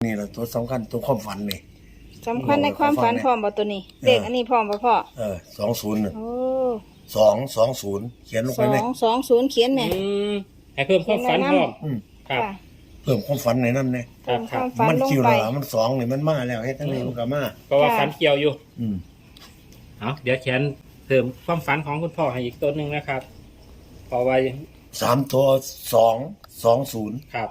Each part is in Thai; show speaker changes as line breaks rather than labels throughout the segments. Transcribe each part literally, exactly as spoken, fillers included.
นี่แหละตัวสำคัญตัวความฝันนี่
สำคัญในความฝันพร้อมบ่ตัวนี้เลขอันนี้พร้อมบ่พ่อ
เออสองศูนย์
โอ้
สองสองศูนย์เขียนลงไปเลย
สองสองศูนย์เขียนแม่
ให้เพิ่มความฝันพร้อม
ครับเพิ่มความฝันในนั้นเนี่ย
เพิ่มความฝัน
มัน
ลง
คิว
ไป
ละมันสองนี่มันมาแล้วเฮ็ดทั้งนี้มันก็มา
เพราะว่าฝันเกี่ยวอยู่
อืม
เอาเดี๋ยวเขียนเพิ่มความฝันของคุณพ่อให้อีกตัวหนึ่งนะครับพอไว้
สามตัวสองสองศูนย์
ครับ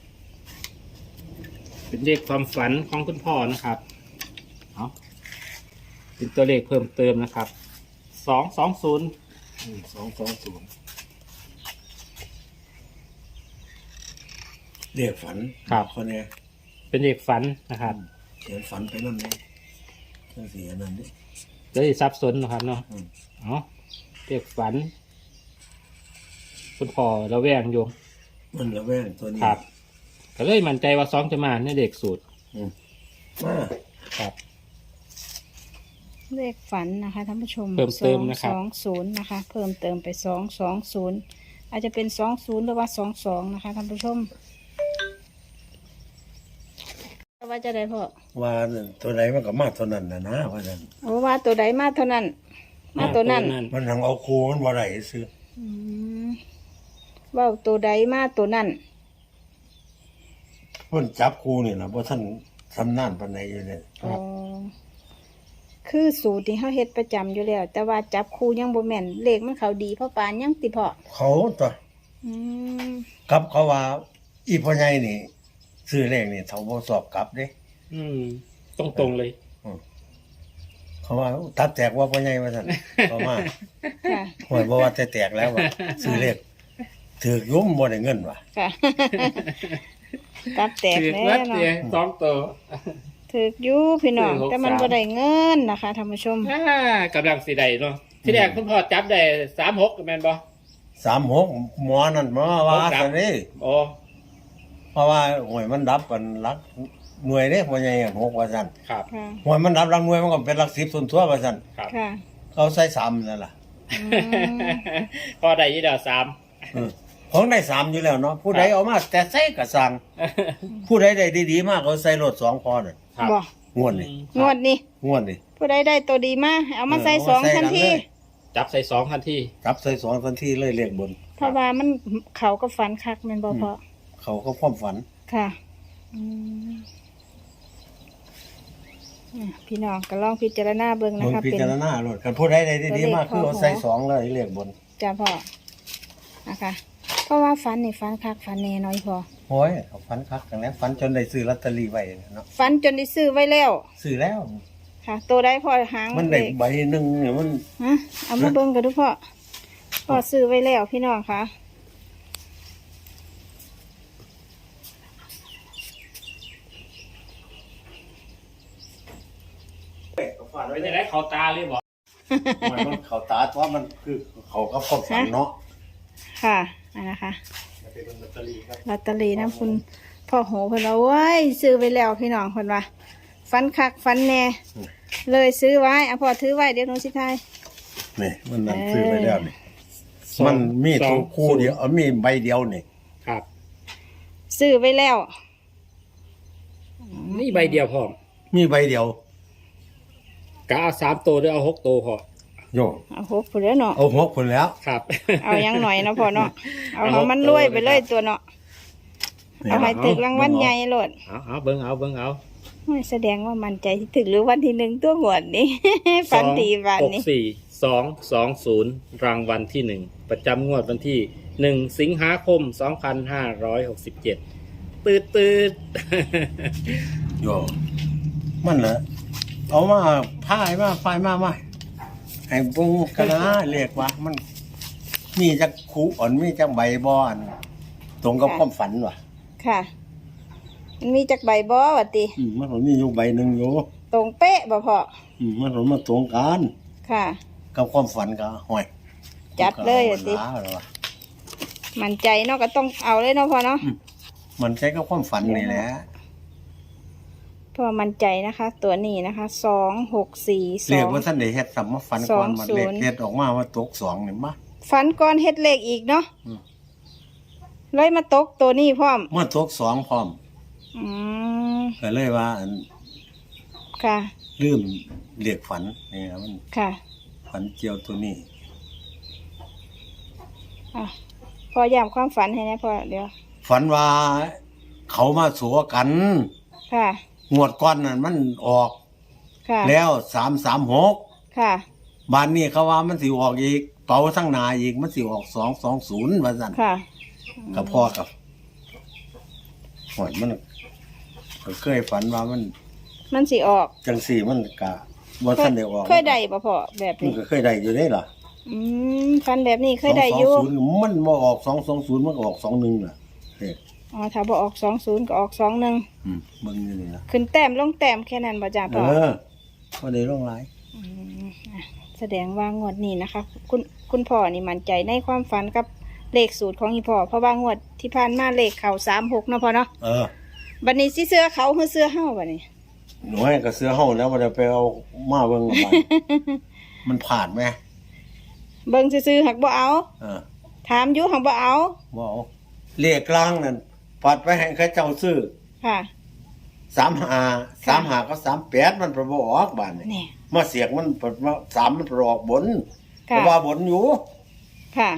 เป็นเลขความฝันของคุณพ่อนะครับเอาเป็นตัวเลขเพิ่มเติมนะครับสองสองศูนย์
สองสองศูนย์เรียกฝัน
ครับ
คนนี้
เป็นเลขฝันนะครับ
เขียนฝันไปนั่นเลยเรื่องสีนั่นนี่
จะได้ซับซ้อนนะครับเนาะอ๋อเลขฝันคุณพ่อระแวงอยู่
มันระแวงตัวนี้
ครับก็เลยมั่นใจว่าสองจะมาในเด็กสูตร
มา
ครับ
เลขฝันนะคะท่านผู้ชม
เพิ่มเติมนะครับ
สองศูนย์นะคะเพิ่มเติมไปสองสองศูนย์อาจจะเป็นสองศูนย์หรือว่าสองสองนะคะท่านผู้ชมว่าจะได้พ่อ
ว่าตัวไหนมันก็มาตัวนั้นนะนะว่านั้น
โอ้ว่าตัวใดมาเท่านั้นมาตัวนั้น
มันทางเอาครูมันบ่ได้ซื้อ
ว่าตัวใดมาตัวนั้น
เพิ่นจับครูนี่ล่ะบ่ท่านสำนานปานใดอยู่เนี่ย
อ๋อคือสูตรที่เฮาเฮ็ดประจำอยู่แล้วแต่ว่าจับครูยังบ่แม่นเลขมันเขาดีเพราะปานยังติพ่อ
เขาตัว
อืม
ครับเขาว่าอีพ่อใหญ่นี่ซื้อเลขนี่เขาบ่สอบกลับเด้
อืมตรงๆเลย
เขาว่าตับแตกว่าพ่อใหญ่ว่าซั่นเขาว่า
ค่ะ
โหยบ่ว่าแต่แตกแล้วว่าซื้อเลขถูกยุ่มบ่ได้เงินว่ะ
ค่ะตับแตกแล้วเนาะ
สองตัว
ถูกอยู่พี่น้องแต่มันบ่ได้เงินนะคะท่านผู้ชม
กำลังสิได้เนาะที่แรกคุณพ่อจับได้สามหกแม่นบ่
สามหกหมอนั่นมาว่าซั่นนี่
โอ้
เพราะว่าหวยมันดับกันหลักหน่วยเด้พ่อใหญ่หกว่าซั่น
ครับ
หวยมันดับหลักหน่วยมันก็เป็นหลักสิบส่วนทั่วว่าซั่น
ครับ
ค่ะ
เขาใส่สามนั่นล่ะ
พอได้อยู่แล้วสาม
ของได้สามอยู่แล้วเนาะผู้ใดเอามาแต่ใส่ก็สั่งผู้ใดได้ดีๆมากเขาใส่รถสองพอน่ะ
บ่
งวดนี่
งวดนี่
งวดนี่
ผู้ใดได้ตัวดีมาเอามาใส่สองทันที
จับใส่สองทันที
จับใส่สองทันทีเลยเลขบน
เพราะว่ามันเขาก็ฝันคักแม่นบ่พอ
เขาก็ความฝัน
ค่ะอืมพี่น้องก็ลองพิจารณาเบิ่งนะคะ
เป็นพิจารณาโลดคันผู้ใดได้ดีๆมากคือเอาใส่สองเลยเลขบน
จ้าพ่อนะคะเพราะว่าฝันนี่ฝันคักฝันแน่น้อยพอ
โอ้ยเขาฝันคักกันแล้วฝันจนได้ซื้อลอตเตอรี่ไว้เนาะ
ฝันจนได้ซื้อไว้แล้ว
ซื้อแล้ว
ค่ะตัวได้พอหาง
มันได้ใบหนึ่งเนี่ยมัน
ฮะเอามาเบิ่งกันดูพ่อพ่อซื้อไว้แล้วพี่น้องค่ะ
ไม่ได้เขาตาเลยบอก
มันเขาตาเพราะมันคือเขาก็ความฝันเนาะ
ค่ะนะคะลอตเตอรี่ครับลอตเตอรี่นะคุณพ่อโหเพิ่นว่าโอ้ยซื้อไว้แล้วพี่น้องเพิ่นว่าฟันคักฟันแน่เลยซื้อไว้อ่ะพ่อถือไว้เดี๋ยวหนูสิทาย
นี่มันนั่นซื้อไว้แล้วนี่มันมีตัวคู่เดียวมีใบเดียวนี่
ครับ
ซื้อไว้แล้ว
นี่ใบเดียวพอ
มีใบเดียว
กะเอาสามตัวหรือเอาหกตัวพอ
โย
เอาหกคนแล้วเนาะ
เอาหกคนแล้ว
ครับ
เอายังหน่อยนะพ่อเนาะเอาของมันรวยไปเลยตัวเนาะเอาให้ถึกรางวัลใหญ่โลด
เอาเอาเบิ้งเอาเบิ้งเอา
ไม่แสดงว่ามันใจที่ถึกหรือวันที่หนึ่งตัวหมดนี้ฝันดีวันนี้
หกสี่สองสองศูนย์รางวัลที่หนึ่งประจำงวดวันที่หนึ่งสิงหาคมสองพันห้าร้อยหกสิบเจ็ดตืดตืด
โยมันเหรอเอามาพายมาไฟมามาไอ้ปุ้งกระนาเรียกว่ามันมีจักคูอ่อนมีจักใบบอนตรงกับความฝันว่ะ
ค่ะมันมีจักใบบ่วะติ
อืมมันมีอยู่ใบหนึ่งอยู่
ตรงเป๊ะบ่พอ
อืมมันมาตรงกัน
ค่ะ
กับความฝันก็ห่วย
จัดเลยอ่ะติมันใจเนาะก็ต้องเอาเลยเนาะพอเนาะ
มันใจกับความฝันนี่แหละ
พอมันใจนะคะตัวนี้นะคะสองหกสี่สอง
เรียกว่าท่านได้เฮ็ดสำมาฝันก่อนมันเลขเฮ็ดออกมาว่าตกสองนี่มา
ฝันก่อนเฮ็ดเลขอีกเนาะเลยมาตกตัวนี้พร้อม
มาตกสองพร้อม
อืม
ก็เลยว่าอัน
ค่ะ
ลืมเรียกฝันนี่ครับมัน
ค่ะ
ฝันเจียวตัวนี้
อ่ะพอย้ำความฝันให้นะพอเดี๋ยว
ฝันว่าเขามาสัวกัน
ค่ะ
งวดก้อนนั่นมันออก
ค่ะ
แล้วสามสามหก
ค่ะ
บ้านนี้เขาว่ามันสิออกอีกเป่าทั้งหนาอีกมันสิออกสองสองศูนย์ว่าสั่น
ค่ะ
กับพ่อกับหอยมันก็เคยฝันว่ามัน
มันสิออก
จังสี่มันกะว่าท่านได้ออก
เคยได้บ่พอแบบ
มัน
นี้
ก็เคยได้อยู่ได้ล่ะ
อืมฟันแบบนี้เคยได้อยู่
สองสองศูนย์มันมาออกสองสองศูนย์มันก็ออกสองหนึ่งน่ะเด็ก
อ๋อถ้าบ่ออกสองศูนย์ก็ออกสองหนึ่ง
อืมเบิ่งอยู่นี่นะ
ขึ้นแต้มลงแต้มแค่นั้นบ่จ้า
เอ
พ่อ
อก็ได้ร่องหลาย
มอ่ะแสดงว่างวดนี้นะคะ คุณคุณพ่อนี่มั่นใจในความฝันกับเลขสูตรของอีพ่อเพราะว่างวดที่ผ่านมาเลขเข่าสามหกเนาะพ่อเนาะ
เออ
บัดนี้สิเสื้อเขาหรือเสื้อเฮาบัดนี้
หนูให้กับเสื้อเฮาแล้วมันจะไปเอามาเบิ่งกับมัน มันผ่านไหม
เบิ่งซื่อๆหักบ่เอา
เออ
ถามอยู่หักบ่เอา
บ่เอาเลขกลางนั่นปัดไปให้เขาเจ้าซื้อ
ค่ะ
สามห้าสามห้าก็สามแปดมันประบ่ออกบ้านนี่
นี่
มาเสียกมันประมาสามมันประออกบนเพ
ค่ะ
ราะว่าบนอยู่
ค่ะ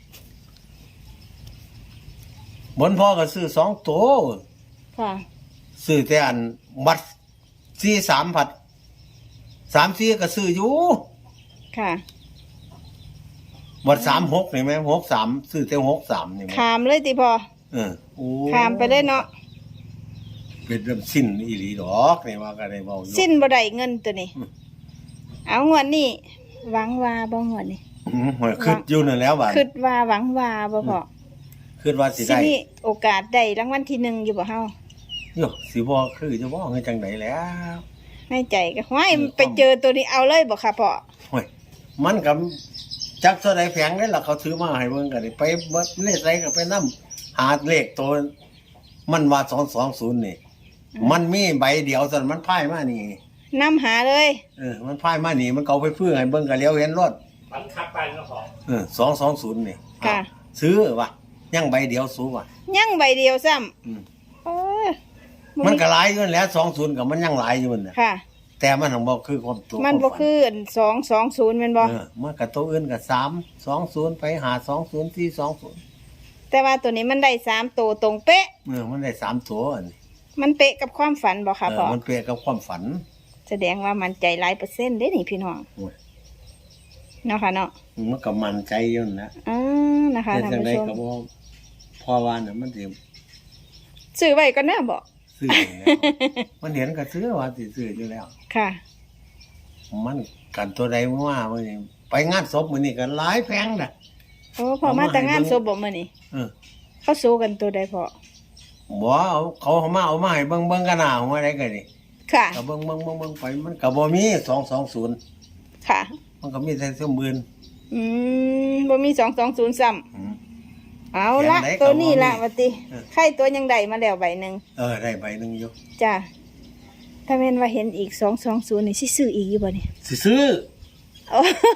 บนพ่อก็ซื้อสองตัว
ค่ะ
ซื้อแต่อันบัตรสี่สามผัดสามสี่ก็ซื้ออยู่
ค่ะ
บัตรสามหกนี่ไหมหกสามซื้อแต่หกสามนี่ไหม
ขามเลยติพ่อ
เออโอ้
ขามไปเลยเนาะ
เป็นเรื่องสิ้นอีหลีดอกนี่ว่าก็ได้เบาอยู่
สิ้นบ่ได้เงินตัวนี้
อืม
เอางวดนี้หวังว่าบ่งวดนี้
อืมหอยขึ้นอยู่นั่นแล้วบ้าน
คิดว่าหวังว่าบ่พอ
ขึ้นว่าสิ
สิ
ได้
มีโอกาสได้รางวัลที่หนึ่งอยู่บ่เฮา
โยสิบ่คือจะบ่เงินจังไดแล้ว
ในใจก็ห้อยไปเจอตัวนี้เอาเลยบ่ค่ะพ่อ
โอ้ยมันกับจักเท่าใดแพงได้ล่ะเขาถือมาให้เบิ่งกันนี่ไปเบิดเลขใส่ก็ไปนำหาเลขตัวมันว่าสองสองศูนย์นี่ มันมีใบเดียวซั่นมันพ่ายมานี่
นำหาเลย
เออ มันพ่ายมานี่ มันเกาไปฟื้อให้เบิ่งก็เลี้ยวเห็นรถ
ฝันคักไปแล้วพอ
เออสองสองศูนย์นี่
ค่ะ
ซื้อว่ะยังใบเดียวสู้ว่ะ
ยังใบเดียวซ้ำ
อืม
เออ
มันก็หลายอยู่นั่นแหล้วสองศูนย์กับมันยังหลายอยู่นั่นน่ะ
ค่ะ
แต่มันของบ่คือความตัว
มันบ่
ความฝั
คือสองสองศูนย์แม่นบ่
เออมันกับตัวอื่นกับสามสองศูนย์ไปหาสองศูนย์ที่สองศูนย์
แต่ว่าตัวนี้มันได้สามตัวตรงเป๊ะ
เออมันได้สามตัวอันนี้
มันเป๊ะกับความฝันบ่ค่ะ
เอ
พ่อ
อมันเปรียบกับความฝัน
แสดงว่ามันใจหลายเปอร์เซ็นต์เด้นี่พี่น้อง
โอ้ย
เนาะค่ะเนาะ
มันก็มันใจอยู่นั่นแหละ
อ่านะคะ
แต่
ท่าน
จังได
ผู้ชม
ก็บ่พอว่าน่ะมันสิ
ซื้อไว้ก็น่าบ่
ซื้ออยู่แล้ว มันเห็นก็ซื้อว่าสิซื้ออยู่แล้ว
ค่ะ
มันกันตัวใดว่ามื้อนี้ไปงานศพมื้อนี้ก็หลายแพงน่ะ
โอ้พอมาแต่งงานศพบ่มื้อนี้
เออ
เขาสู้กันตัวใดพอ
บ่เอาเขาเอามาเอามาให้เบิ่งเบิ่งกันหน้าหัวได้ก็นี่
ค่ะ
ก็เบิ่งเบิ่งเบิ่งเบิ่งไปมันก็บ่มีสองสองศูนย์
ค่ะ
มันก็มีแต่เสื้อมื่น
อืมบ่มีสองสองศูนย์ซ้ำ
อืม
เอาละ
แขนไหนก็
ตัวนี้ละ
บ่มี
ว่าติ
เออ
ไข่ตัวยังได้มาแล้วใบหนึง
เออได้ใบหนึงอยู่
จ้ะถ้าแม่นว่าเห็นอีกสองสองศูนย์นี่สิซื้ออีกอยู่บ่นี่
สิซื้อ
อ๋อ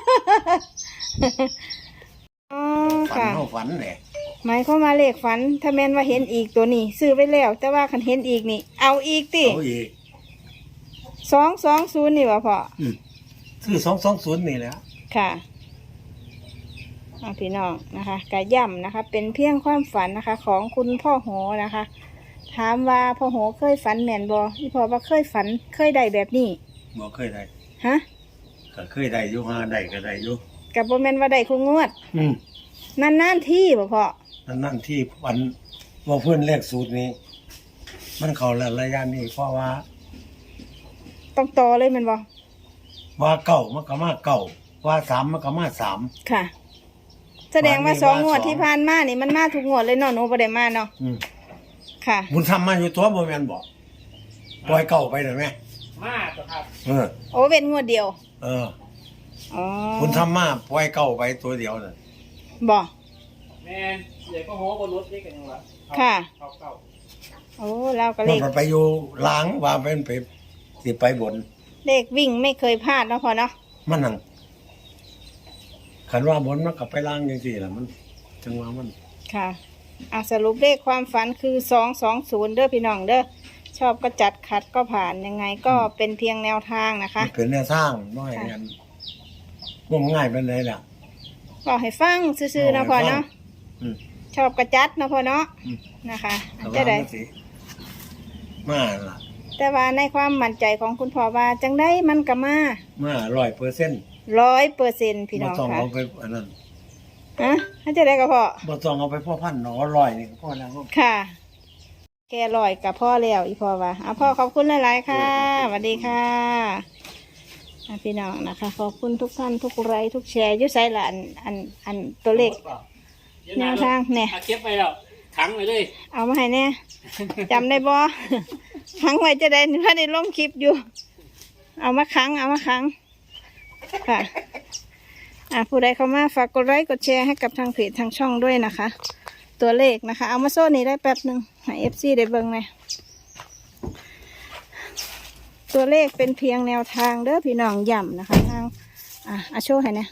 อ๋อ
ฝัน
ค่ะ
เฮาฝันแหละ
หมายความว่าเลขฝัน ถ้าแม่นว่าเห็นอีกตัวนี้ ซื้อไว้แล้ว แต่ว่าคันเห็นอีกนี่ เอาอีกติ
เอาอีก
สองสองศูนย์นี่ว่าพอ
อืมซื้อสองสองศูนย์นี่แหละ
ค่ะเอาพี่น้องนะคะกะย่ำนะคะ เป็นเพียงความฝันนะคะ ของคุณพ่อโหนะคะ ถามว่าพ่อโหเคยฝันแม่นบอที่พ่อว่าเคยฝันเคยได้แบบนี้
บ่เคยได้
ฮะ
ก็เคยได้อยู่หาได้ก็ได้อยู่
กับโบแมนว่าได้คุงวด
อืม
นานๆที่บ่พอ
นั่นนั่นที่ฝันว่าเพื่อนเลขสูตรนี้ มันเข้าแล้วระยะนี้เพราะว่า
ต้องต่อเลยแมันบอ
ว่าเก่ามันก็มาเก่าว่าสามมันก็มาสาม
ค่ะ แสดงว่า
วันนี้
สอง
ว่าง
วด
สอง
ที่ผ่านมานี่มันมาทุกงวดเลยเนาะหนูบ่ได้มาเนาะ
อืม
ค่ะ
บุญทำมาอยู่ตัวบ่แม่นบ่ปล่อยเก่าไปได้ไหม
มากครับ
เออ
โอ้เป็นงวดเดียว
เออ
อ๋อ
บุญทำมาปล่อยเก่าไปตัวเดียวน่ะ
บ่
แมนเดี๋ยวก็โหบนรถนี่กันยังวะ
ค่ะ
เก่าเก่า
โอ้เราก็เล
มัน
ข
ก็ไปอยู่หล้างว่าเป็นไปสิไปบน
เลขวิ่งไม่เคยพลาดเนาะพอเนาะ
มันนั่งคันว่าบนมันก็ไปล้างจังซี่ล่ะมันจังว่ามัน
ค่ะอ่ะสรุปเลขความฝันคือสองสองศูนย์เด้อพี่น้องเด้อชอบก็จัดขัดก็ผ่านยังไงก็เป็นเพียงแนวทางนะคะ
เป็นแนวทางน้อยกันงมง่ายเป็นเลยล่ะ
บอกให้ฟังซื่อๆนะพ่อเนาะ
อืม
ชอบกระจัดนะพ่อเนาะ
อืม
นะคะ
แต่
จะ
ว่า
ได้
มันสิมาล่ะ
แต่ว่าในความมั่นใจของคุณพ่อว่าจังได้มันก็มา
มาร้อยเปอร์เซ็นต์
ร้อยเปอร์เซ็นต์พี่น้
บ่
อง
ต้อง
ค่ะ
เอาไปอันนั้น
ฮะถ้าจะได้ก็พ่อ
บ่ต้องเอาไปพ่อพันหนอร้อยนี่ก็พ่อแล้ว
ค่ะ แกลอยกับพ่อแล้วอีพ่อว่าเอาพ่อขอบคุณหลายๆค่ะสวัสดีค่ะอ่ะพี่น้องนะคะขอบคุณทุกท่านทุกไลค์ทุกแชร์อยุ่ใส่ละอันอันอันตัวเลขแนวทางเนี่ย
เอาเก็บไปแล้วขังไปเลย
เอามาให้แน่จำได้บ่ ขังไว้จะได้ถ้าได้ลงคลิปอยู่ เอามาขังเอามาขังค่ะอ่ะผู้ใดเข้ามาฝากกดไลค์กดแชร์ให้กับทางเพจทางช่องด้วยนะคะ ตัวเลขนะคะ เอามาโซ่นี้ได้แป๊บหนึ่งให้เอฟซีได้เบิ่งเลยตัวเลขเป็นเพียงแนวทางเด้อพี่น้องย่ำนะคะทางอ่ะอาโชว์ให้เนี่ย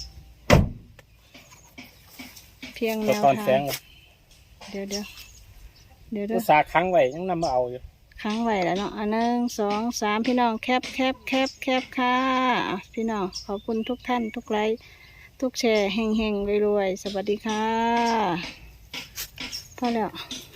เพียงแนว
ตอน
ทา
แส
ง
ง
เดี๋ยวเดี๋ยวเดี๋ยวเดี๋
อุ
ยว
ตสาห์ขังไว้ยังนำมาเอาอยู่
ค้างไว้แล้วเนาะอันหนึ่งสองสามพี่น้องแคบแคบแคบแคบค่ะอ่ะพี่น้องขอบคุณทุกท่านทุกไลค์ทุกแชร์เฮงเฮงรวยๆสวัสดีค่ะพอแล้ว